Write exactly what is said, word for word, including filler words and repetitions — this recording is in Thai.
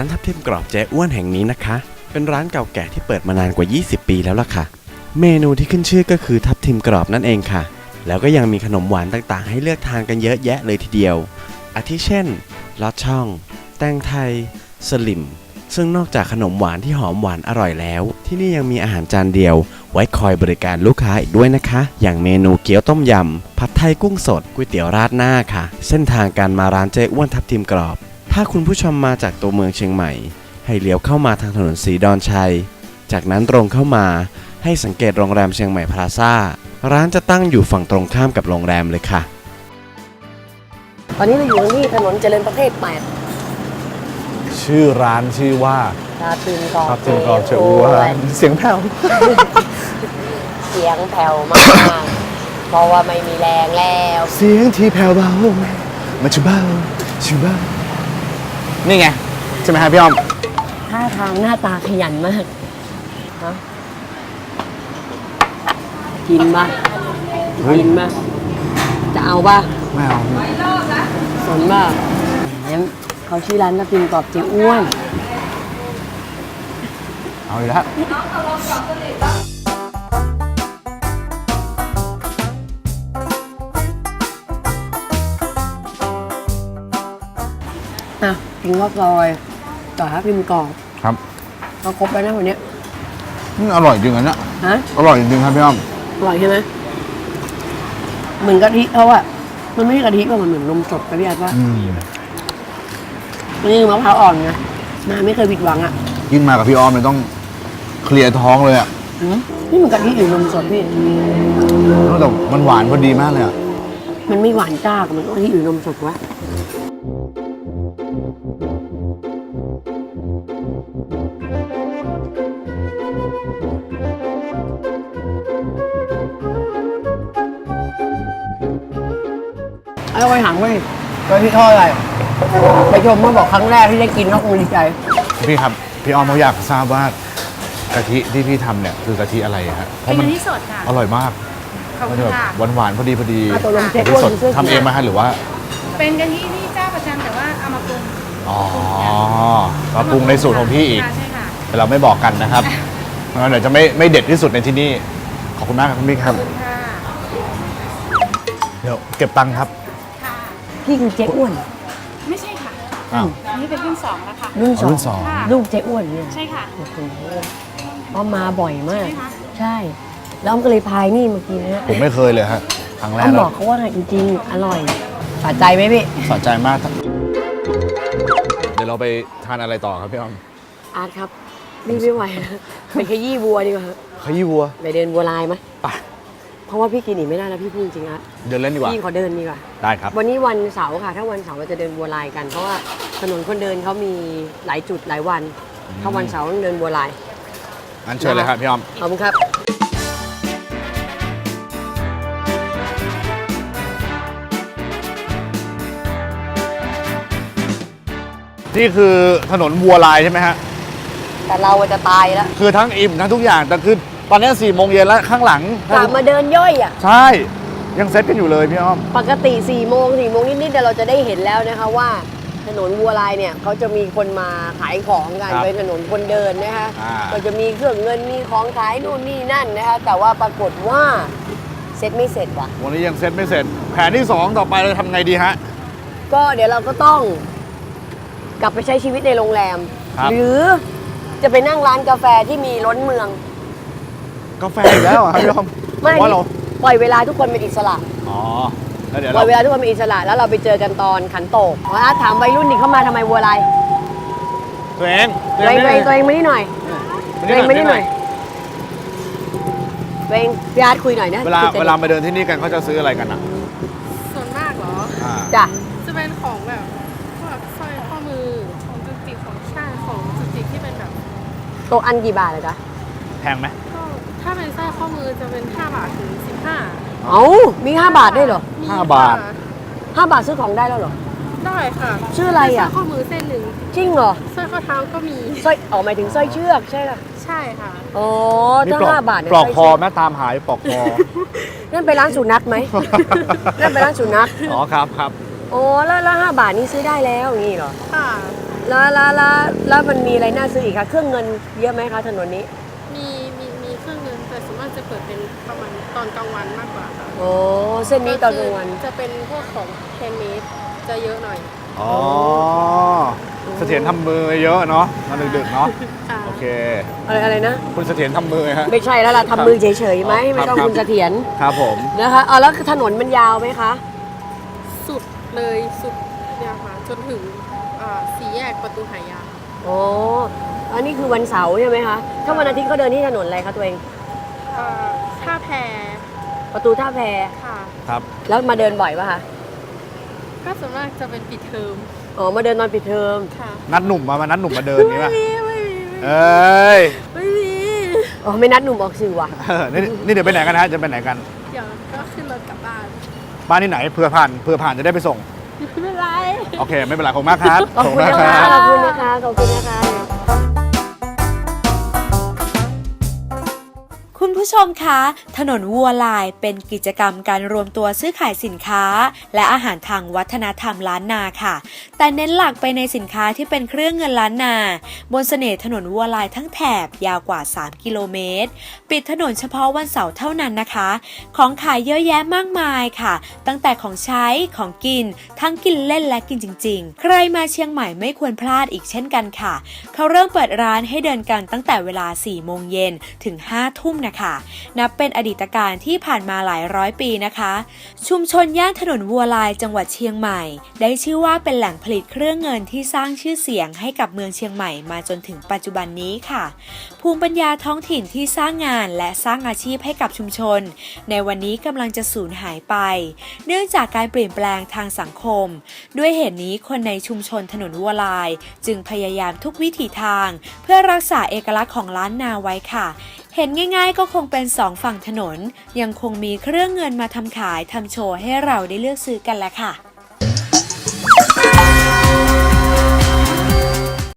านทับทิมกรอบเจ๊อ้วนแห่งนี้นะคะเป็นร้านเก่าแก่ที่เปิดมานานกว่ายี่สิบปีแล้วล่ะค่ะเมนูที่ขึ้นชื่อก็คือทับทิมกรอบนั่นเองค่ะแล้วก็ยังมีขนมหวานต่างๆให้เลือกทานกันเยอะแยะเลยทีเดียวอาทิเช่นลอดช่องแตงไทยสลิมซึ่งนอกจากขนมหวานที่หอมหวานอร่อยแล้วที่นี่ยังมีอาหารจานเดียวไว้คอยบริการลูกค้าอีกด้วยนะคะอย่างเมนูเกี๊ยวต้มยำผัดไทยกุ้งสดก๋วยเตี๋ยวราดหน้าค่ะเส้นทางการมาร้านเจ๊อ้วนทับทิมกรอบถ้าคุณผู้ชมมาจากตัวเมืองเชียงใหม่ให้เลี้ยวเข้ามาทางถนนศรีดอนชัยจากนั้นตรงเข้ามาให้สังเกตโรงแรมเชียงใหม่พลาซ่าร้านจะตั้งอยู่ฝั่งตรงข้ามกับโรงแรมเลยค่ะตอนนี้เราอยู่ที่ถนนเจริญประเทศแปดชื่อร้านชื่อว่าทับทิมกรอบทับทิมกรอบเจ๊อ้วนเสียงแผ่วเสียงแผ่วมาก เพราะว่าไม่มีแรงแล้วเสียงที่แผ่วเบามันจะเบาชิเบานี่ไงใช่ไหมฮะพี่อ้อมท่าทางหน้าตาขยันมากฮะกินป่ะกินป่ะจะเอาป่ะไม่เอาสนป่ะเขาชื่อร้านทับทิมกรอบเจ๊อ้วนเอาอีกแล้วอ่ะกินข้าวซอยต่อทับทิมกรอบครับเราครบแล้วนะวันนี้นี่อร่อยจริงอันนี้ฮะอร่อยจริงครับพี่อ้อมอร่อยใช่ไหมเหมือนกะทิเขาอะมันไม่ใช่กะทิป่ะมันเหมือนนมสดกะทิอ่ะป่ะนี่มะพร้าวอ่อนไงมาไม่เคยผิดหวังอ่ะยิ่งมากับพี่อ้อมเลยต้องเคลียร์ท้องเลยอ่ะนี่มันกะทิหรือนมสดพี่แต่มันหวานพอดีมากเลยอ่ะมันไม่หวานจ้ากับมันกะทิหรือนมสดวะไอ้ไว้หางไว้กะทิทอดอะไรไปชมมาบอกครั้งแรกที่ได้กินก็คงดีใจพี่ครับพี่อ้อมเขาอยากทราบว่ากะทิที่พี่ทำเนี่ยคือกะทิอะไรฮะเป็นกะทิสดค่ะอร่อยมากมันแบบหวานหวานพอดีพอดีกะทิสดทำเองไหมฮะหรือว่าเป็นกะทิที่เจ้าประจำแต่ว่าเอามาปรุงอ๋อมาปรุงในสูตรของพี่อีกใช่ค่ะแต่เราไม่บอกกันนะครับงั้นเดี๋ยวจะไม่ไม่เด็ดที่สุดในที่นี่ขอบคุณมากครับคุณพี่ครับเดี๋ยวเก็บตังค์ครับพี่คือเจ๊อ้วนไม่ใช่ค่ะอ้าวอันนี้เป็นรุ่นสองแล้วค่ะรุ่นสองรุ่นสองลูกเจ๊อ้วนเนี่ยใช่ค่ะโอ้โหอ้อมมาบ่อยมากใช่แล้วอ้อมก็เลยพายนี่เมื่อกี้นะผมไม่เคยเลยฮะครั้งแรกอ้อมบอกเขาว่าจริงๆอร่อยสะใจไหมพี่สะใจมากเดี๋ยวเราไปทานอะไรต่อครับพี่อ้อมอาร์ตครับนี่ไม่ไหวนะไปขยี้วัวดีกว่าขยี้วัวไปเดินวัวลายไหมไปเพราะว่าพี่กินหนีไม่ได้แล้วพี่พูดจริงๆอ่ะเดินเล่นดีกว่าพี่ขอเดินดีกว่าได้ครับวันนี้วันเสาร์ค่ะถ้าวันเสาร์เราจะเดินบัวลายกันเพราะว่าถนนคนเดินเขามีหลายจุดหลายวันถ้าวันเสาร์ต้องเดินบัวลายงั้นเชิญเลยครับพี่อ้อมขอบคุณครับนี่คือถนนวัวลายใช่ไหมฮะแต่เราจะตายแล้วคือทั้งอิ่มทั้งทุกอย่างแต่คือตอนนี้สี่โมงเย็นแล้วข้างหลังกลับมาเดินย่อยอ่ะใช่ยังเซ็ตกันอยู่เลยพี่อ้อมปกติสี่โมงสี่โมงนิดๆเดี๋ยวเราจะได้เห็นแล้วนะคะว่าถนนวัวลายเนี่ยเขาจะมีคนมาขายของกันเป็นถนนคนเดินนะคะก็จะมีเครื่องเงินมีของขายนู่นนี่นั่นนะคะแต่ว่าปรากฏว่าเซ็ตไม่เสร็จว่ะวันนี้ยังเซ็ตไม่เสร็จแผนที่สองต่อไปเราทำไงดีฮะก็เดี๋ยวเราก็ต้องกลับไปใช้ชีวิตในโรงแรมหรือจะไปนั่งร้านกาแฟที่มีล้นเมืองกาแฟอีกแล้วครับพี่อ้อมไม่ว่าเราปล่อยเวลาทุกคนเป็นอิสระอ๋อแล้วเดี๋ยวปล่อยเวลาทุกคนเป็นอิสระแล้วเราไปเจอกันตอนขันโตกอาร์ตถามวัยรุ่นนี่เข้ามาทำไมวัวลายตัวเองตัวเองตัวเองตัวเองไม่ได้หน่อยตัวเองไม่ได้หน่อยตัวเองพี่อาร์ตคุยหน่อยนะเวลาเวลามาเดินที่นี่กันเขาจะซื้ออะไรกันอ่ะส่วนมากเหรอจ้ะจะเป็นของแบบพวกสร้อยข้อมือของจุติของชาติของจุติที่เป็นแบบโตอันกี่บาทเลยจ๊ะแพงไหมถ้าเป็นสร้อยข้อมือจะเป็นห้าบาทถึงสิบห้าเอ้ามีห้าบาทได้เหรอห้าบาทห้าบาทซื้อของได้แล้วเหรอได้ค่ะชื่ออะไรอ่ะสร้อยข้อมือเส้นหนึ่งจริงเหรอสร้อยข้อเท้าก็มีสร้อยอ๋อหมายถึงสร้อยเชือกใช่ค่ะใช่ค่ะอ๋อถ้าห้าบาทเนี่ยปลอกคอแม่ตามหายปลอกคอนั่นไปร้านสุนัขไหมนั่นไปร้านสุนัขอ๋อครับครับโอ้แล้วแล้วห้าบาทนี้ซื้อได้แล้วอย่างนี้เหรอค่ะแล้วแล้วแล้วแล้วมันมีอะไรน่าซื้ออีกคะเครื่องเงินเยอะไหมคะถนนนี้มีมีมีเครื่องเงินแต่ส่วนมากจะเปิดเป็นประมาณตอนกลางวันมากกว่าค่ะโอ้เส้นนี้ตอนกลางวันจะเป็นพวกของแฮนด์เมดจะเยอะหน่อยอ๋อเสถียรทำมือเยอะเนาะตอนดึกๆเนาะค่ะโอเคอะไรอะไรนะคุณเสถียรทำมือฮะไม่ใช่แล้วล่ะทำมือเฉยๆไหมไม่ต้องครับคุณเสถียรครับผมนะคะอ๋อแล้วถนนมันยาวไหมคะสุดเลยสุดเนี่ยค่ะจนถึงอ่าสี่แยกประตูหายาโอ้อันนี้คือวันเสาร์ใช่ไหมคะถ้าวันอาทิตย์เขาเดินที่ถนนอะไรคะตัวเองอ่าท่าแพประตูท่าแพค่ะครับแล้วมาเดินบ่อยปะคะก็ส่วนมากจะเป็นปิดเทอมอ๋อมาเดินตอนปิดเทอมค่ะนัดหนุ่มมามานัดหนุ่มมาเดินนี้ป่ะไม่มีไม่มีเอ้ยไม่มีอ๋อไม่นัดหนุ่มออกสื่อว่ะเออนี่นี่เดี๋ยวไปไหนกันฮะจะไปไหนกันเดี๋ยวก็ขึ้นรถกลับบ้านบ้านที่ไหนเผื่อผ่านเผื่อผ่านจะได้ไปส่งไม่เป็นไรโอเคไม่เป็นไรขอบคุณมากครับขอบคุณมากนะคคะรับขอบคุณนะคะขอบคุณนะคะคุณผู้ชมคะ ถนนวัวลายเป็นกิจกรรมการรวมตัวซื้อขายสินค้า และอาหารทางวัฒนธรรมล้านนาค่ะ แต่เน้นหลักไปในสินค้าที่เป็นเครื่องเงินล้านนา บนเสน่ห์ถนนวัวลายทั้งแถบยาวกว่าสามกิโลเมตร ปิดถนนเฉพาะวันเสาร์เท่านั้นนะคะ ของขายเยอะแยะมากมายค่ะ ตั้งแต่ของใช้ของกิน ทั้งกินเล่นและกินจริงๆ ใครมาเชียงใหม่ไม่ควรพลาดอีกเช่นกันค่ะ เขาเริ่มเปิดร้านให้เดินกันตั้งแต่เวลาสี่โมงเย็นถึงห้าทุ่มนะคะนับเป็นอดีตการที่ผ่านมาหลายร้อยปีนะคะ ชุมชนย่านถนนวัวลายจังหวัดเชียงใหม่ ได้ชื่อว่าเป็นแหล่งผลิตเครื่องเงินที่สร้างชื่อเสียงให้กับเมืองเชียงใหม่มาจนถึงปัจจุบันนี้ค่ะ ภูมิปัญญาท้องถิ่นที่สร้างงานและสร้างอาชีพให้กับชุมชน ในวันนี้กำลังจะสูญหายไป เนื่องจากการเปลี่ยนแปลงทางสังคม ด้วยเหตุนี้คนในชุมชนถนนวัวลาย จึงพยายามทุกวิถีทาง เพื่อรักษาเอกลักษณ์ของล้านนาไว้ค่ะ เห็นง่ายๆก็คงเป็นสองฝั่งถนน ยังคงมีเครื่องเงินมาทำขายทำโชว์ให้เราได้เลือกซื้อกันแหละค่ะ